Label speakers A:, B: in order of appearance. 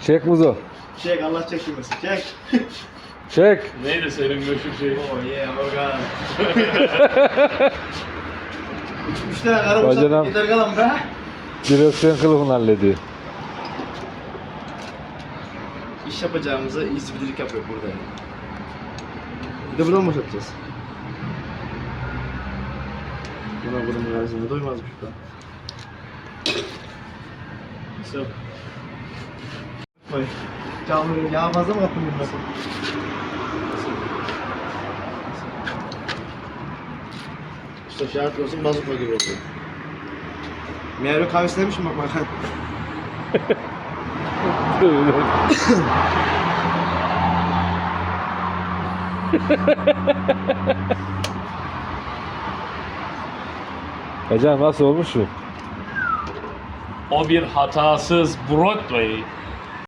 A: Çek Muzo.
B: Çek Allah çekilmesin. Çek.
A: Çek.
C: Neydi senin meşhur şey?
B: Oh yeah organ. 3 tane karı
A: Bacanam.
B: bıçak gider kalan be.
A: Direksiyon kılıfını hallediyor.
B: İş yapacağımızı izcilik yapıyor burada. Bir de buradan boşaltacağız. Buna bunun karşısında doymazmış bu.
C: Nasıl?
B: Koy. Canlı yağ fazla mı kattın bundan? İşte şart olsun bazuka gibi oldu. Meyve kahvesi demişim bak bak.
A: Hocam nasıl olmuş bu?
C: O bir hatasız Broadway.